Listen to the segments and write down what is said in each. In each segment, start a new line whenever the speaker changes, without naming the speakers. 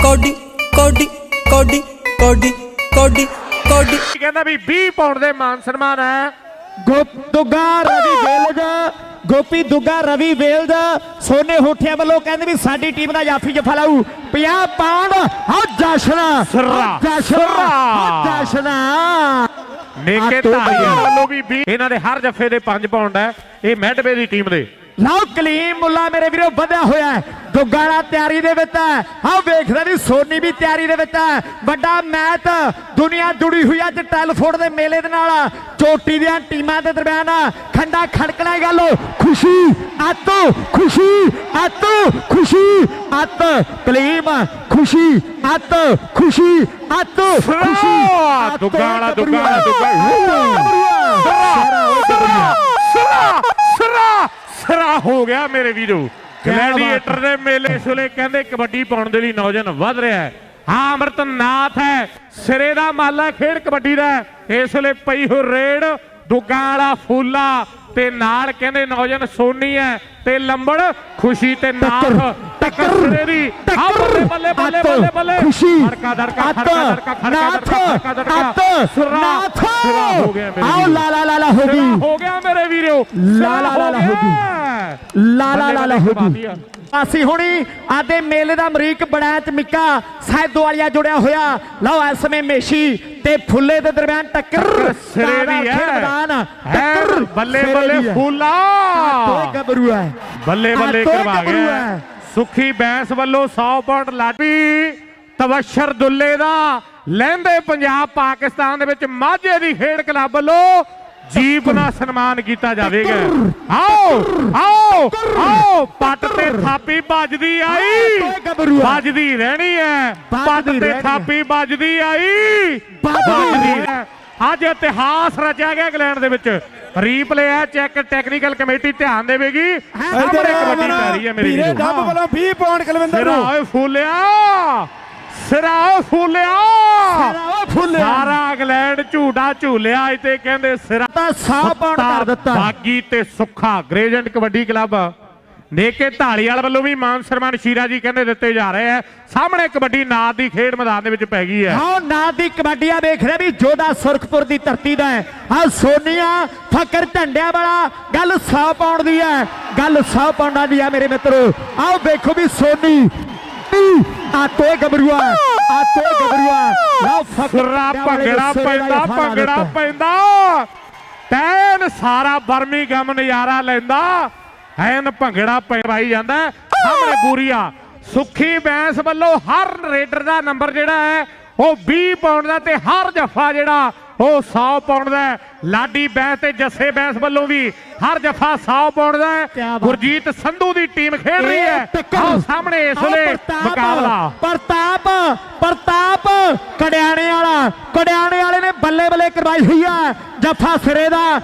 Cody ਕੋਡੀ ਕੋਡੀ ਕੋਡੀ ਕੋਡੀ ਕੋਡੀ
ਕਹਿੰਦਾ ਵੀ 20 ਪਾਉਂਡ ਦੇ ਮਾਨ ਸਨਮਾਨ ਹੈ।
ਦੁੱਗਾ ਰਵੀ ਵੇਲਜ ਗੋਪੀ ਦੁੱਗਾ ਰਵੀ ਵੇਲਜ ਸੋਨੇ ਹੋਠਿਆਂ ਵੱਲੋਂ ਕਹਿੰਦੇ ਵੀ ਸਾਡੀ ਟੀਮ ਦਾ ਜਾਫੀ ਜਫਾ ਲਾਊ 50 ਪਾਉਂਡ। ਆ ਜਸ਼ਨ ਜਸ਼ਨ
ਨੇਕੇ ਧਾਰੀਆਂ ਵੱਲੋਂ ਵੀ 20 ਇਹਨਾਂ ਦੇ ਹਰ ਜੱਫੇ ਦੇ 5 ਪਾਉਂਡ ਹੈ। ਇਹ ਮੈਡਵੇ ਦੀ ਟੀਮ ਦੇ
ਲਓ ਕਲੀਮ ਮੁੱਲਾ ਮੇਰੇ ਵੀਰੋ ਵਧਿਆ ਹੋਇਆ ਹੈ। ਦੁੱਗਾਲਾ ਤਿਆਰੀ ਦੇ ਵਿੱਚ ਹੈ। ਆਹ ਵੇਖਦੇ ਵੀ ਸੋਨੀ ਵੀ ਤਿਆਰੀ ਦੇ ਵਿੱਚ ਹੈ। ਵੱਡਾ ਮੈਚ ਦੁਨੀਆ ਜੁੜੀ ਹੋਈ ਅੱਜ ਟੈਲਫੋਰਡ ਦੇ ਮੇਲੇ ਦੇ ਨਾਲ ਚੋਟੀ ਦੀਆਂ ਟੀਮਾਂ ਦੇ ਦਰਮਿਆਨ ਖੰਡਾ ਖੜਕਣਾ ਗੱਲ ਖੁਸ਼ੀ ਅੱਤ ਖੁਸ਼ੀ ਅੱਤ ਖੁਸ਼ੀ ਅੱਤ ਕਲੀਮ ਖੁਸ਼ੀ ਅੱਤ ਖੁਸ਼ੀ ਅੱਤ ਖੁਸ਼ੀ
ਦੁੱਗਾਲਾ ਸਰਾ ਹੋ ਗਿਆ ਮੇਰੇ ਵੀਰੋ। ਗਲੈਡੀਏਟਰ ਦੇ ਮੇਲੇ ਸੁਲੇ ਕਹਿੰਦੇ ਕਬੱਡੀ ਪਾਉਣ ਦੇ ਲਈ ਨੌਜਵਾਨ ਵੱਧ ਰਿਹਾ ਹੈ। ਹਾਂ ਅਮਰਤਨਾਥ ਹੈ ਸਿਰੇ ਦਾ ਮਾਲਾ ਖੇਡ ਕਬੱਡੀ ਦਾ। ਇਸ ਵੇਲੇ ਪਈ ਹੋ ਰੇਡ ਦੁੱਗਾ ਵਾਲਾ ਫੂਲਾ ਤੇ ਨਾਲ ਕਹਿੰਦੇ ਨੌਜਵਾਨ ਸੋਨੀ ਹੈ ਤੇ ਲੰਬੜ ਖੁਸ਼ੀ ਤੇ ਨਾਥ ਟੱਕਰ ਸਿਰੇ ਦੀ। ਬੱਲੇ ਬੱਲੇ ਬੱਲੇ ਬੱਲੇ ਬੱਲੇ ਧੜਕਾ ਧੜਕਾ ਧੜਕਾ ਧੜਕਾ ਧੜਕਾ ਸਿਰਾ ਹੋ ਗਿਆ ਮੇਰੇ
ਆਓ ਲਾਲਾ ਲਾਲਾ ਹੋ ਗਈ
ਹੋ ਗਿਆ ਮੇਰੇ ਵੀਰੋ।
ਲਾਲਾ ਲਾਲਾ ਹੋ ਗਈ ਲਾਲਾ ਲਾਲਾ ਹੋ ਗਈ। ਅਸੀਂ ਹੁਣੀ ਆਦੇ ਮੇਲੇ ਦਾ ਅਮਰੀਕ ਬੜਾ ਚਮਿੱਕਾ ਸੈਦੋ ਵਾਲੀਆ ਜੁੜਿਆ ਹੋਇਆ। ਲਓ ਇਸ ਸਮੇਂ ਮੇਸ਼ੀ ਤੇ ਫੁੱਲੇ ਦੇ ਦਰਮਿਆਨ ਟੱਕਰ
ਸਿਰੇ ਦੀ ਹੈ। ਟੱਕਰ ਬੱਲੇ ਬੱਲੇ ਫੁੱਲਾ
ਗੱਭਰੂ ਹੈ
ਬੱਲੇ ਬੱਲੇ ਕਰਵਾ ਗਿਆ। ਸੁਖੀ ਬੈਂਸ ਵੱਲੋਂ 100 ਪਾਉਂਡ ਲਾਡੀ ਤਬਸ਼ਰ ਦੁੱਲੇ ਦਾ ਲਹਿੰਦੇ ਪੰਜਾਬ ਪਾਕਿਸਤਾਨ ਦੇ ਵਿੱਚ ਮਾਝੇ ਦੀ ਖੇਡ ਕਲੱਬ ਵੱਲੋਂ ਜੀਪ ਨਾਲ ਸਨਮਾਨ ਕੀਤਾ ਜਾਵੇਗਾ। ਆਓ ਆਓ ਆਓ ਪੱਟ ਤੇ ਥਾਪੀ ਵੱਜਦੀ ਆਈ ਵੱਜਦੀ ਰਹਿਣੀ ਹੈ। ਪੱਟ ਤੇ ਥਾਪੀ ਵੱਜਦੀ ਆਈ ਵੱਜਦੀ ਹੈ। ਅੱਜ ਇਤਿਹਾਸ ਰਚਿਆ ਗਿਆ ਇੰਗਲੈਂਡ ਦੇ ਵਿੱਚ। ਰੀਪਲੇ ਹੈ ਚੈੱਕ ਟੈਕਨੀਕਲ ਕਮੇਟੀ ਧਿਆਨ ਦੇਵੇਗੀ। ਸਾਹਮਣੇ ਕਬੱਡੀ ਪੈ ਰਹੀ ਹੈ ਮੇਰੀ ਵੀਰੋ।
ਡੱਬ ਵੱਲੋਂ 20 ਪਾਉਂਡ ਕੁਲਵਿੰਦਰ ਨੂੰ
ਓਏ ਫੁੱਲਿਆ ਸਿਰਾ ਫੁੱਲਿਆ ਸਾਰਾ ਇੰਗਲੈਂਡ ਝੂਟਾ ਝੂਲਿਆ ਤੇ ਕਹਿੰਦੇ ਸਿਰਾ
100 ਪਾਉਂਡ ਕਰ ਦਿੱਤਾ।
ਬਾਗੀ ਤੇ ਸੁੱਖਾ ਗ੍ਰੇਜੈਂਟ ਕਬੱਡੀ ਕਲੱਬ ਨੇਕੇ ਢਾਲੀਵਾਲ ਵੱਲੋਂ ਵੀ ਮਾਨ ਸਨਮਾਨ ਸ਼ੀਰਾ ਜੀ ਕਹਿੰਦੇ ਦਿੱਤੇ ਜਾ ਰਹੇ ਆ। ਸਾਹਮਣੇ ਕਬੱਡੀ ਨਾਦ ਦੀ ਖੇਡ ਮੈਦਾਨ ਦੇ ਵਿੱਚ ਪੈ ਗਈ ਹੈ।
ਹਾਂ ਨਾਦ ਦੀ ਕਬੱਡੀ ਆ ਵੇਖ ਰਿਹਾ ਵੀ ਜੋਧਾ ਸੁਰਖਪੁਰ ਦੀ ਧਰਤੀ ਦਾ ਹੈ। ਆ ਸੋਨੀਆ ਫਕਰ ਝੰਡਿਆਂ ਵਾਲਾ ਗੱਲ 100 ਪਾਉਂਡ ਦੀ ਹੈ। ਗੱਲ 100 ਪਾਉਂਡਾਂ ਦੀ ਹੈ ਮੇਰੇ ਮਿੱਤਰੋ। ਆਓ ਵੇਖੋ ਵੀ ਸੋਨੀ ਆ ਤੋਏ ਗੱਭਰੂਆ ਆ ਤੋਏ ਗੱਭਰੂਆ ਲਓ
ਫਕਰਾ ਭੰਗੜਾ ਪੈਂਦਾ ਭੰਗੜਾ ਪੈਂਦਾ ਤੈਨ ਸਾਰਾ ਬਰਮਿੰਘਮ ਨਜ਼ਾਰਾ ਲੈਂਦਾ ਐਨ ਭੰਗੜਾ ਪੈਵਾਈ ਜਾਂਦਾ। ਸਾਹਮਣੇ ਬੂਰੀਆ ਸੁਖੀ ਬੈਂਸ ਵੱਲੋਂ ਹਰ ਰੇਡਰ ਦਾ ਨੰਬਰ ਜਿਹੜਾ ਹੈ ਉਹ 20 ਪਾਉਂਡ ਦਾ ਤੇ ਹਰ ਜਫਾ ਜਿਹੜਾ ਉਹ 100 ਪਾਉਂਡ ਦਾ। ਲਾਡੀ ਬੈਂਸ ਤੇ ਜੱਸੇ ਬੈਂਸ ਵੱਲੋਂ ਵੀ ਹਰ ਜਫਾ 100 ਪਾਉਂਡ ਦਾ। ਗੁਰਜੀਤ ਸੰਧੂ ਦੀ ਟੀਮ ਖੇਡ ਰਹੀ ਹੈ। ਆਓ ਸਾਹਮਣੇ ਇਸ ਵੇਲੇ ਮੁਕਾਬਲਾ
ਪ੍ਰਤਾਪ ਕੜਿਆਣੇ ਵਾਲੇ ਨੇ ਬੱਲੇ ਬੱਲੇ ਕਰਵਾਈ ਹੋਈ ਹੈ। ਜਫਾ ਸਿਰੇ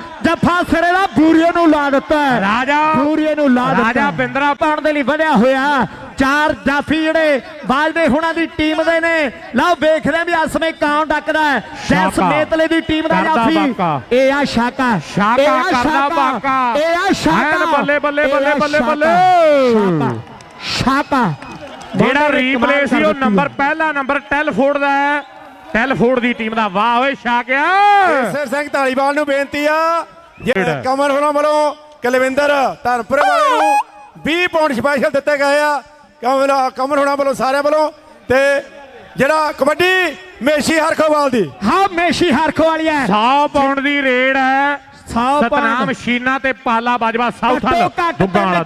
ਦਾ ਬੂਰੀਏ ਨੂੰ ਲਾ ਦਿੱਤਾ ਬੂਰੀਏ ਨੂੰ ਲਾ ਦਿੱਤਾ।
ਰਾਜਾ ਬਿੰਦਰਾ
ਪਾਉਣ ਦੇ ਲਈ ਵਧਿਆ ਹੋਇਆ। 4 ਜਾਫੀ ਜਿਹੜੇ ਬਾਜਦੇ ਹੁਣਾਂ ਦੀ ਟੀਮ ਦੇ ਨੇ। ਲਓ ਵੇਖਦੇ ਵੀ ਇਸ ਸਮੇਂ ਕਾਂ ਡੱਕਦਾ ਹੈ। ਜੈਸ ਨੇਤਲੇ ਦੀ ਟੀਮ ਦਾ ਜਾਫੀ ਇਹ ਆ ਸ਼ਾਕਾ
ਕਰਦਾ ਬਾਕਾ
ਇਹ ਆ ਸ਼ਾਕਾ
ਬੱਲੇ ਬੱਲੇ ਬੱਲੇ ਬੱਲੇ ਬੱਲੇ
ਸ਼ਾਕਾ
ਜਿਹੜਾ ਰੀਪਲੇ ਸੀ ਉਹ ਨੰਬਰ ਪਹਿਲਾ ਨੰਬਰ ਟੈਲਫੋਰਡ ਦਾ ਹੈ। ਟੈਲਫੋਰਡ ਦੀ ਟੀਮ ਦਾ ਵਾਹ ਓਏ ਸ਼ਾਕਿਆ।
ਈਸਰ ਸਿੰਘ ਢਾਲੀਵਾਲ ਨੂੰ ਬੇਨਤੀ ਆ ਕਮਰ ਹੋਰਾਂ ਵੱਲੋਂ ਕੁਲਵਿੰਦਰ ਧਰਮਪੁਰੇ ਵਾਲੇ ਨੂੰ 20 ਪਾਉਂਡ ਸਪੈਸ਼ਲ ਦਿੱਤੇ ਗਏ ਆ। ਕਮਰ ਹੋਰਾਂ ਵੱਲੋਂ ਸਾਰਿਆਂ ਵੱਲੋਂ ਤੇ ਜਿਹੜਾ ਕਬੱਡੀ ਮੇਸ਼ੀ ਹਰਖੋਵਾਲ ਦੀ
ਹਾਂ ਮੇਸ਼ੀ ਹਰਖੋਵਾਲੀ ਹੈ।
100 ਪਾਉਂਡ ਦੀ ਰੇਡ ਹੈ।
100
ਸਤਨਾਮ ਸ਼ੀਨਾ ਤੇ ਪਾਲਾ ਬਾਜਵਾ ਸਾਊਥਲ ਦੁੱਗਾਲਾ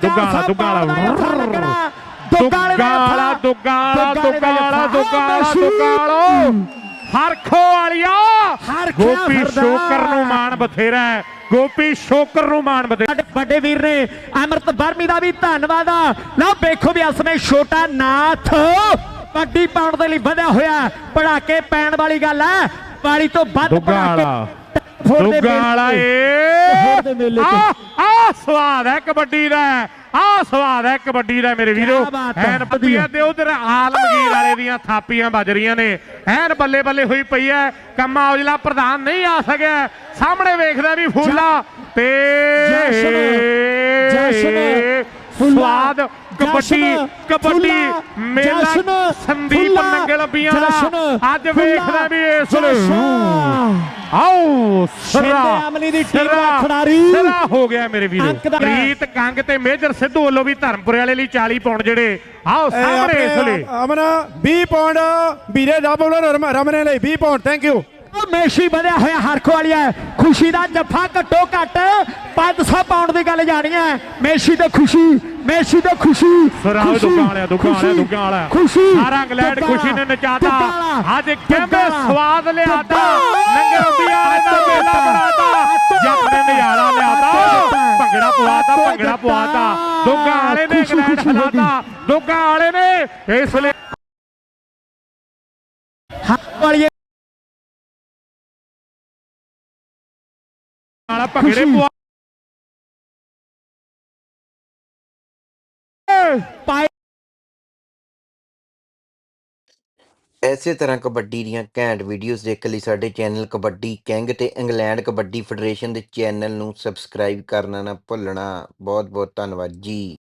ਹਰਖੋ ਵਾਲੀਆ ਗੋਪੀ ਸ਼ੋਕਰ ਨੂੰ ਮਾਣ ਬਥੇਰਾ ਹੈ। ਗੋਪੀ ਸ਼ੋਕਰ ਨੂੰ ਮਾਣ ਬਥੇਰਾ।
ਵੱਡੇ ਵੀਰ ਨੇ ਅਮਰਤ ਬਰਮੀ ਦਾ ਵੀ ਧੰਨਵਾਦ ਆ। ਲਓ ਵੇਖੋ ਵੀ ਅਸਮੇ ਛੋਟਾ ਨਾਥ ਕਬੱਡੀ ਪਾਉਣ ਦੇ ਲਈ ਵਧਿਆ ਹੋਇਆ। ਪੜਾਕੇ ਪੈਣ ਵਾਲੀ ਗੱਲ ਹੈ। ਪਾਲੀ ਤੋਂ ਵੱਧ
ਦੁੱਗਾਲਾ ਆ ਸਵਾਦ ਹੈ ਕਬੱਡੀ ਦਾ। ਆ ਸਵਾਦ ਹੈ ਕਬੱਡੀ ਦਾ ਮੇਰੇ ਵੀਰੋ। ਐਨ ਪੱਤੀਆਂ ਤੇ ਉਧਰ ਆਲਮਗੀਰ ਵਾਲੇ ਦੀਆਂ ਥਾਪੀਆਂ ਵੱਜ ਰਹੀਆਂ ਨੇ। ਐਨ ਬੱਲੇ ਬੱਲੇ ਹੋਈ ਪਈ ਹੈ। ਕੰਮਾ ਔਜਲਾ ਪ੍ਰਧਾਨ ਨਹੀਂ ਆ ਸਕਿਆ। ਸਾਹਮਣੇ ਵੇਖਦਾ ਵੀ ਫੂਲਾ ਤੇ ਸਵਾਦ ਕਬੱਡੀ ਮੇਲਾ ਸੰਦੀਪ ਪੰਜਾਬੀਆਂ
ਜਸ਼ਨ,
ਦਾ ਅੱਜ
ਖੁੱਲਾ
ਵੇਖਦਾ ਵੀ ਇਸ ਵੇਲੇ
ਜਸ਼ਨ।
ਆਓ
ਸ਼ਿੰਦੇ ਅਮਲੀ ਦੀ ਟੀਮ ਦਾ ਖਿਡਾਰੀ।
ਸਿਰਾ ਹੋ ਗਿਆ ਮੇਰੇ ਵੀਰੋ।
ਅੰਕ ਦਾ-
ਪ੍ਰੀਤ ਕੰਗ ਤੇ ਮੇਜਰ ਸਿੱਧੂ ਵੱਲੋਂ ਵੀ ਧਰਮਪੁਰੇ ਵਾਲੇ ਲਈ 40 ਪਾਉਂਡ ਜਿਹੜੇ ਆਓ ਸਾਹਮਣੇ ਇਸ ਵੇਲੇ
ਅਮਨ 20 ਪਾਉਂਡ ਵੀਰੇ ਰੱਬ ਵੱਲੋਂ ਰਮਨੇ ਲਈ 20 ਪਾਉਂਡ ਥੈਂਕ ਯੂ।
ਮੇਸ਼ੀ ਵਧਿਆ ਹੋਇਆ ਹਰਖੋ ਵਾਲੀ ਹੈ। ਖੁਸ਼ੀ ਦਾ ਜੱਫਾ ਘੱਟੋ ਘੱਟ 500 ਪਾਉਂਡ ਦੀ ਗੱਲ ਜਾਣੀ ਹੈ। ਮੇਸ਼ੀ ਤੇ ਖੁਸ਼ੀ, ਮੇਸ਼ੀ ਤੇ ਖੁਸ਼ੀ।
ਸਰਾਓ
ਖੁਸ਼ੀ,
ਦੁੱਗਾ ਵਾਲਿਆ, ਦੁੱਗਾ ਵਾਲਿਆ,
ਖੁਸ਼ੀ,
ਦੁੱਗਾ ਵਾਲਿਆ।
ਖੁਸ਼ੀ
ਸਾਰਾ ਇੰਗਲੈਂਡ
ਦੁੱਗਾ
ਖੁਸ਼ੀ ਨੇ ਨਚਾਤਾ।
ਦੁੱਗਾ ਵਾਲਾ,
ਅੱਜ ਕਹਿੰਦੇ
ਦੁੱਗਾ
ਸਵਾਦ ਲਿਆਤਾ।
ਦੁੱਗਾ।
ਲੰਗਰ ਪਿਆਰੇ ਦਾ ਮੇਲਾ ਬਣਾਤਾ। ਜੱਟ ਨੇ ਨਜ਼ਾਰਾ ਲਿਆਤਾ। ਭੰਗੜਾ ਪਵਾਤਾ, ਭੰਗੜਾ ਪਵਾਤਾ। ਦੁੱਗਾ ਵਾਲੇ ਨੇ ਇੰਗਲੈਂਡ ਹਲਾਤਾ। ਦੁੱਗਾ ਵਾਲੇ ਨੇ ਇਸ ਵੇਲੇ
ਹਰਖੋ ਵਾਲੀ
ਵਾਲਾ ਭੰਗੜੇ ਪਵਾ
ਪਾਏ।
ਇਸੇ ਤਰ੍ਹਾਂ ਕਬੱਡੀ ਦੀਆਂ ਘੈਂਟ ਵੀਡੀਓਜ਼ ਦੇਖਣ ਲਈ ਸਾਡੇ ਚੈਨਲ ਕਬੱਡੀ ਕਿੰਗ ਤੇ ਇੰਗਲੈਂਡ ਕਬੱਡੀ ਫੈਡਰੇਸ਼ਨ ਦੇ ਚੈਨਲ ਨੂੰ ਸਬਸਕ੍ਰਾਈਬ ਕਰਨਾ ਨਾ ਭੁੱਲਣਾ। ਬਹੁਤ ਬਹੁਤ ਧੰਨਵਾਦ ਜੀ।